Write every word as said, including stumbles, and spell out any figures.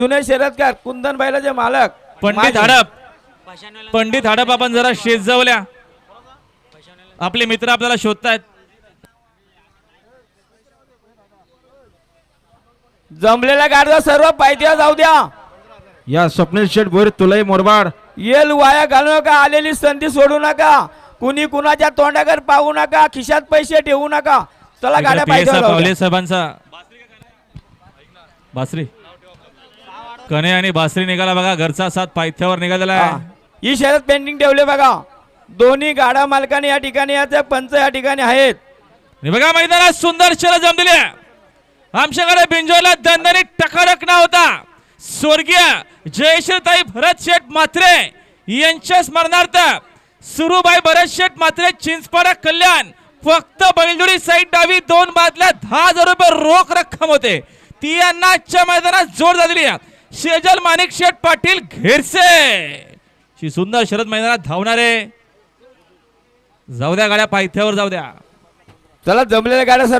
जुने शर्यतकार कुंदन बैलाचे मालक पंडित हडप पंडित हडप आपण जरा शेजावल्या आपले मित्र आपल्याला शोधतायत. जमलेल्या गाडीला सर्व पायथ्या जाऊ द्या. या स्वप्नील शेठ भोईर तुलाई मोरबाड येल वाया घालू नका. आलेली संधी सोडू नका. कुणी कुणाच्या तोंडाकडे पाहू नका. खिशात पैसे ठेवू नका. चला गाड्या पायथ्यावर जाऊ द्या. पावले साहेबांचा बासरी कणे आणि बासरी निघाला बघा. घरचा साथ पायथ्यावर निघालेला हा. आहे. ही शर्यत पेंडिंग ठेवले बघा. दोन्ही गाडा मालकाने या ठिकाणी याचे पंच या ठिकाणी आहेत. आणि बघा मैदानात सुंदर शर्यत जमलेली आहे. आमच्याकडे बिंजोला दणदणीत टकाटक नाव होता. स्वर्गीय जयश्रीताई भरत शेठ म्हात्रे यांच्या स्मरणार्थ सुरूबाई भरत शेठ म्हात्रे चिंचपाडा कल्याण फक्त बैलजोडी साईड डावी दोन बादल्या दहा हजार रुपये रोख रक्कम होते. ती यांना आजच्या मैदानात जोड झालेली आहे. शेजल माणिक शेठ पाटील घेरसे ही सुंदर शर्यत मैदानात धावणारे. जाऊ द्या गाड्या पायथ्यावर जाऊ द्या. चला जमलेल्या गाड्या सर्व